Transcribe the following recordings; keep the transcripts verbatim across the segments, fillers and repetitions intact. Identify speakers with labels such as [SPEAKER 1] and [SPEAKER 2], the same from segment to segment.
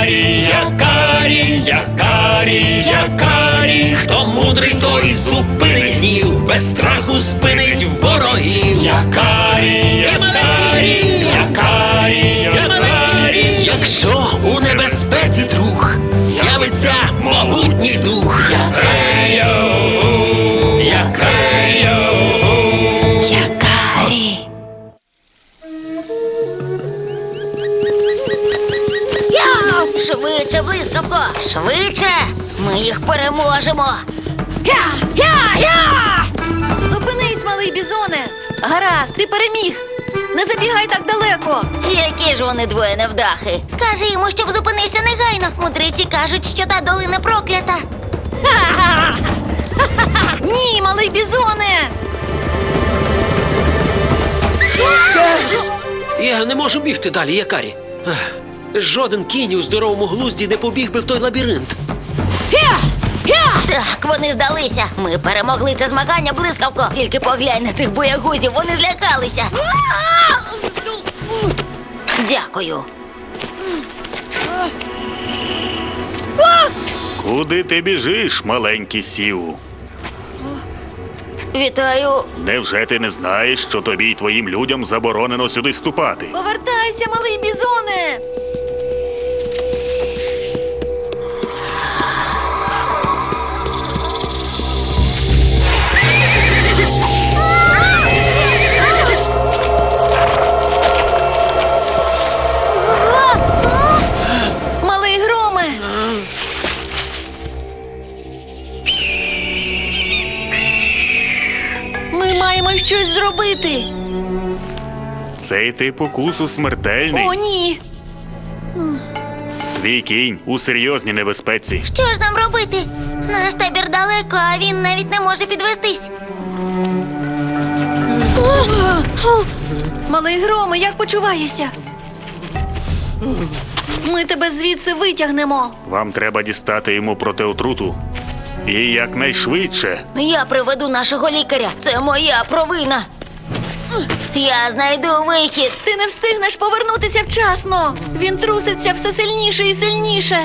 [SPEAKER 1] Якарі, якарі, якарі, якарі. Хто мудрий, той зупинить гнів, без страху спинить ворогів. Якарі, якарі, якарі, якарі. Якщо у небезпеці друг, з'явиться могутній дух. Якарі, якарі,
[SPEAKER 2] Якарі. Я! Швидше, блискавко! Швидше! Ми їх переможемо! Я! Я! Я!
[SPEAKER 3] Зупинись, малий бізоне! Гаразд, ти переміг! Не забігай так далеко!
[SPEAKER 2] Які ж вони двоє невдахи! Скажи йому, щоб зупинився негайно! Мудреці кажуть, що та долина проклята!
[SPEAKER 3] Ні, малий бізоне!
[SPEAKER 4] Я не можу бігти далі, Якарі. Ах, жоден кінь у здоровому глузді не побіг би в той лабіринт.
[SPEAKER 2] Так, вони здалися! Ми перемогли це змагання, блискавко! Тільки поглянь на цих боягузів, вони злякалися! Дякую!
[SPEAKER 5] Куди ти біжиш, маленький сіву?
[SPEAKER 2] Вітаю!
[SPEAKER 5] Невже ти не знаєш, що тобі й твоїм людям заборонено сюди ступати?
[SPEAKER 3] Повертайся, малий бізоне! Малий громе! Ми маємо щось зробити!
[SPEAKER 5] Цей тип укусу смертельний.
[SPEAKER 3] О, ні!
[SPEAKER 5] Твій кінь у серйозній небезпеці.
[SPEAKER 2] Що ж нам робити? Наш табір далеко, а він навіть не може підвестись.
[SPEAKER 3] Малий громе, як почуваєшся? Ми тебе звідси витягнемо.
[SPEAKER 5] Вам треба дістати йому протиотруту. І якнайшвидше.
[SPEAKER 2] Я приведу нашого лікаря. Це моя провина. Я знайду вихід.
[SPEAKER 3] Ти не встигнеш повернутися вчасно. Він труситься все сильніше і сильніше.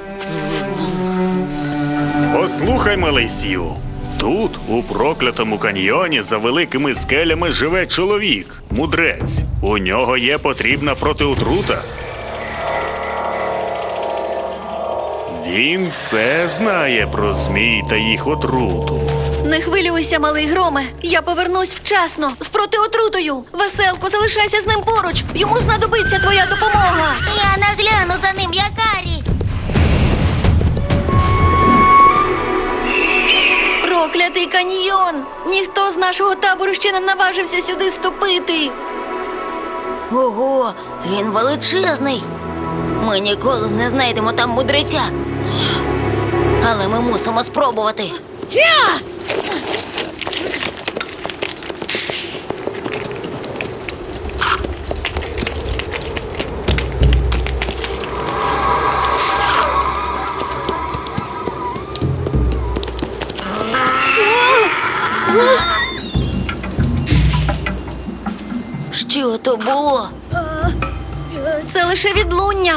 [SPEAKER 5] Послухай, малий сіву. Тут, у проклятому каньйоні, за великими скелями живе чоловік, мудрець. У нього є потрібна протиотрута. Він все знає про змій та їх отруту.
[SPEAKER 3] Не хвилюйся, малий громе. Я повернусь вчасно з протиотрутою. Веселко, залишайся з ним поруч. Йому знадобиться твоя допомога.
[SPEAKER 2] Я нагляну за ним, Якарі.
[SPEAKER 3] Проклятий каньйон! Ніхто з нашого табору ще не наважився сюди ступити.
[SPEAKER 2] Ого, він величезний. Ми ніколи не знайдемо там мудреця. Але ми мусимо спробувати. Що то було?
[SPEAKER 3] Це лише відлуння.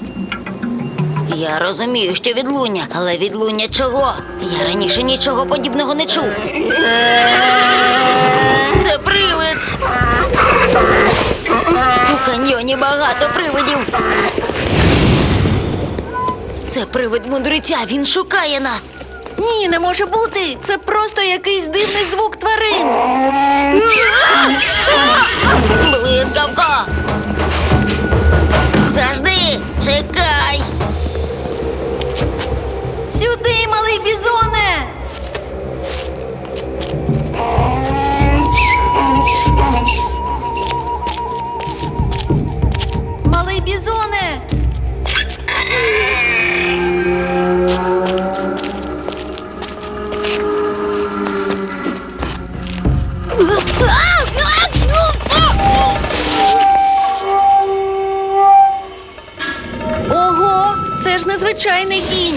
[SPEAKER 2] Я розумію, що відлуння, але відлуння чого? Я раніше нічого подібного не чув. Це привид! У каньйоні багато привидів. Це привид мудреця, він шукає нас.
[SPEAKER 3] Ні, не може бути. Це просто якийсь дивний звук тварин.
[SPEAKER 2] Блискавко! Завжди! Чекай!
[SPEAKER 3] Сюди, малий бізоне! Малий бізоне! Ого, це ж незвичайний кінь.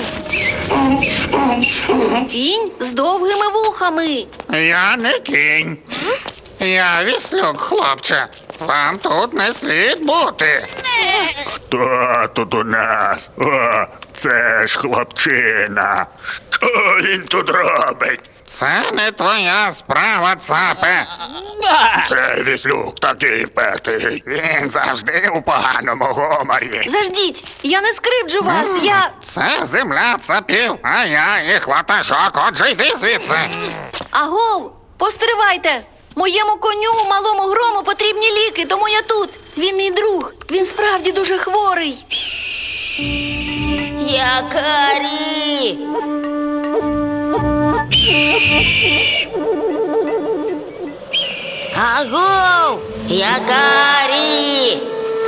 [SPEAKER 3] Кінь з довгими вухами.
[SPEAKER 6] Я не кінь. Я віслюк, хлопче. Вам тут не слід бути.
[SPEAKER 5] Хто тут у нас? О, це ж хлопчина. Що він тут робить?
[SPEAKER 6] Це не твоя справа, цапе.
[SPEAKER 5] Це віслюк такий впертий. Він завжди у поганому гуморі.
[SPEAKER 3] Заждіть, я не скривджу вас, я.
[SPEAKER 6] Це земля цапів, а я їх ватажок. Отже, йди звідси.
[SPEAKER 3] Агов, постривайте! Моєму коню, малому грому, потрібні ліки, тому я тут. Він мій друг. Він справді дуже хворий.
[SPEAKER 2] Якарі! Агов! Якарі!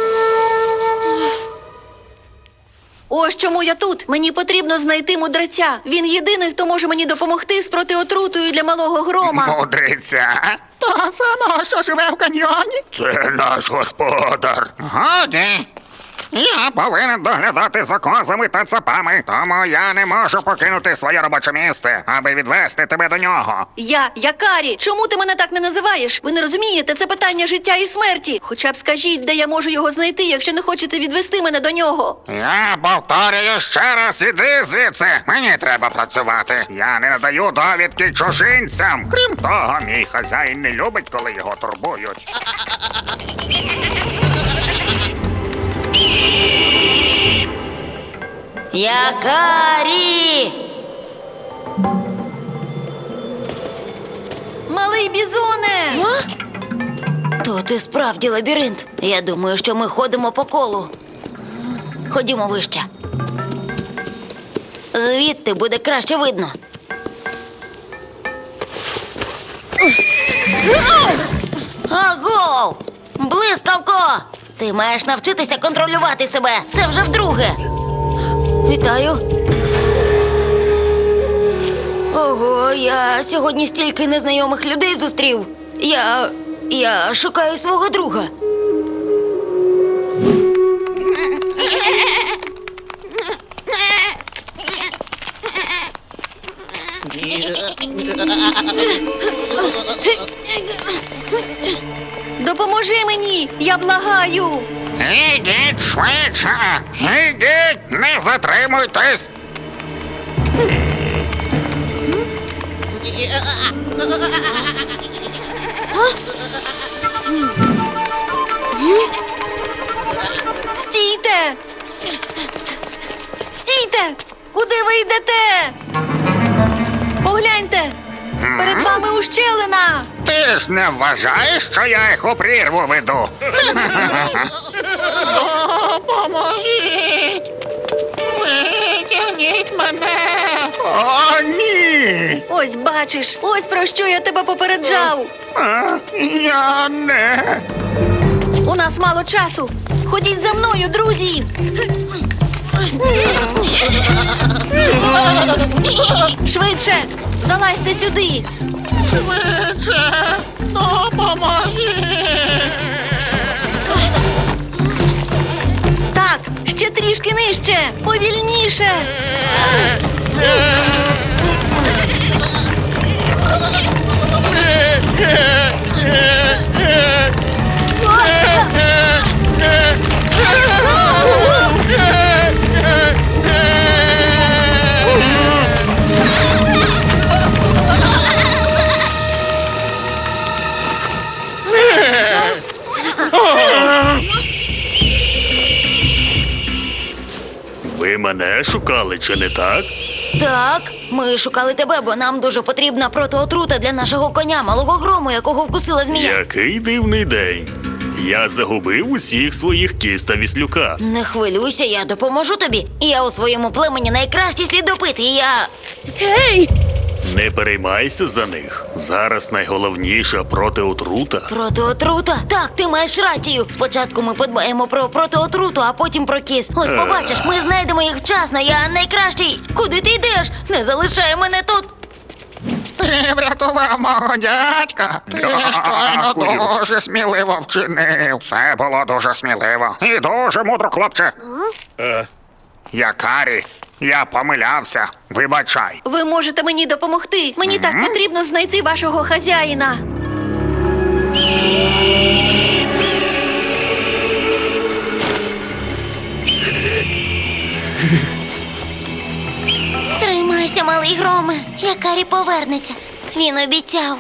[SPEAKER 3] Ось чому я тут. Мені потрібно знайти мудреця. Він єдиний, хто може мені допомогти з протиотрутою для малого грома.
[SPEAKER 5] Мудриця?
[SPEAKER 6] Того самого, що живе в каньйоні.
[SPEAKER 5] Це наш господар.
[SPEAKER 6] Годі. Я повинен доглядати за козами та цапами, тому я не можу покинути своє робоче місце, аби відвести тебе до нього.
[SPEAKER 3] Я, Якарі, чому ти мене так не називаєш? Ви не розумієте, це питання життя і смерті. Хоча б скажіть, де я можу його знайти, якщо не хочете відвести мене до нього.
[SPEAKER 6] Я повторюю ще раз, іди звідси. Мені треба працювати. Я не надаю довідки чужинцям. Крім того, мій хазяїн не любить, коли його турбують.
[SPEAKER 2] Якарі!
[SPEAKER 3] Малий бізоне!
[SPEAKER 2] Тут і справді лабіринт. Я думаю, що ми ходимо по колу. Ходімо вище. Звідти буде краще видно. Агов! Блискавко! Ти маєш навчитися контролювати себе. Це вже вдруге. Вітаю. Ого, я сьогодні стільки незнайомих людей зустрів. Я. я шукаю свого друга.
[SPEAKER 3] Допоможи мені, я благаю.
[SPEAKER 6] Ідіть швидше! Ідіть, не затримуйтесь!
[SPEAKER 3] Стійте! Стійте! Куди ви йдете? Погляньте! Перед вами ущелина!
[SPEAKER 6] Ти ж не вважаєш, що я їх у прірву веду? Допоможіть! Витягніть мене! О, ні!
[SPEAKER 3] Ось бачиш, ось про що я тебе попереджав.
[SPEAKER 6] А, я не...
[SPEAKER 3] У нас мало часу. Ходіть за мною, друзі. Швидше, залазьте сюди.
[SPEAKER 6] Швидше! Допоможіть!
[SPEAKER 3] Так, ще трішки нижче, повільніше.
[SPEAKER 5] Ви мене шукали, чи не так?
[SPEAKER 2] Так, ми шукали тебе, бо нам дуже потрібна протиотрута для нашого коня, малого грому, якого вкусила змія.
[SPEAKER 5] Який дивний день. Я загубив усіх своїх кіз та віслюка.
[SPEAKER 2] Не хвилюйся, я допоможу тобі. Я у своєму племені найкращий слідопит, і я.
[SPEAKER 5] Не переймайся за них. Зараз найголовніша протиотрута.
[SPEAKER 2] Протиотрута? Так, ти маєш рацію. Спочатку ми подбаємо про протиотруту, а потім про кіз. Ось побачиш, ми знайдемо їх вчасно. Я найкращий. Куди ти йдеш? Не залишай мене тут.
[SPEAKER 6] Ти врятував мого дядька. Ти щойно
[SPEAKER 5] Дякую.
[SPEAKER 6] дуже сміливо вчинив. Все було дуже сміливо. І дуже мудро, хлопче.
[SPEAKER 5] Е,
[SPEAKER 6] Якарі, я помилявся. Вибачай.
[SPEAKER 3] Ви можете мені допомогти. Мені так потрібно знайти вашого хазяїна.
[SPEAKER 2] громе, Якарі повернеться. Він обіцяв.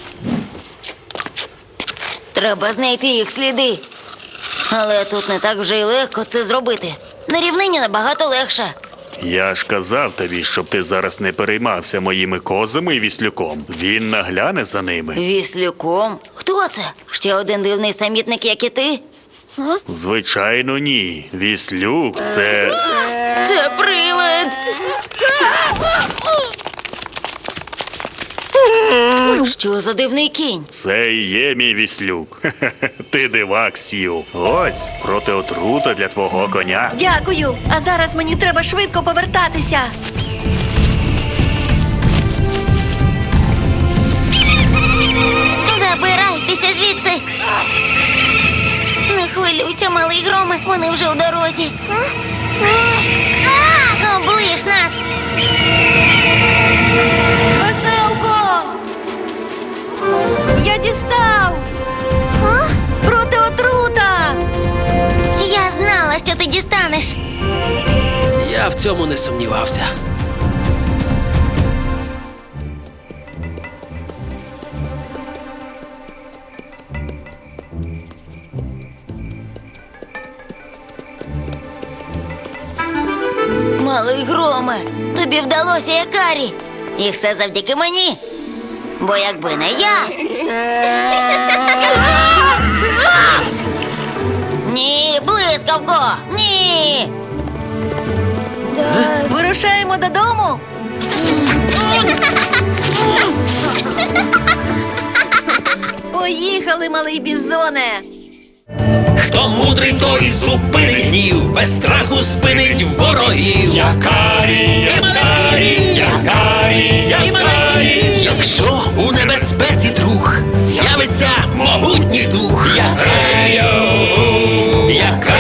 [SPEAKER 2] Треба знайти їх сліди. Але тут не так вже й легко це зробити. На рівнині набагато легше.
[SPEAKER 5] Я ж казав тобі, щоб ти зараз не переймався моїми козами і віслюком. Він нагляне за ними.
[SPEAKER 2] Віслюком? Хто це? Ще один дивний самітник, як і ти?
[SPEAKER 5] Звичайно, ні. Віслюк це.
[SPEAKER 2] Це привид! Що за дивний кінь?
[SPEAKER 5] Це і є мій віслюк. Ти дивак, Сью. Ось протиотрута для твого коня.
[SPEAKER 3] Дякую. А зараз мені треба швидко повертатися.
[SPEAKER 2] Забирайтеся звідси! Не хвилюйся, малий громе, вони вже у дорозі. Оближ нас!
[SPEAKER 3] Веселко! Я дістав! Проти отрута!
[SPEAKER 2] Я знала, що ти дістанеш.
[SPEAKER 4] Я в цьому не сумнівався.
[SPEAKER 2] Малий громе, тобі вдалося, Якарі. І все завдяки мені. Бо якби не я. Ні, блискавко! Ні!
[SPEAKER 3] Вирушаємо додому. Поїхали, малий бізоне.
[SPEAKER 1] Хто мудрий, той зупинить гнів, без страху спинить ворогів. Якарі, якарі, якарі, якарі. Якщо у небезпеці друг, з'явиться могутній дух. Якарі, якарі.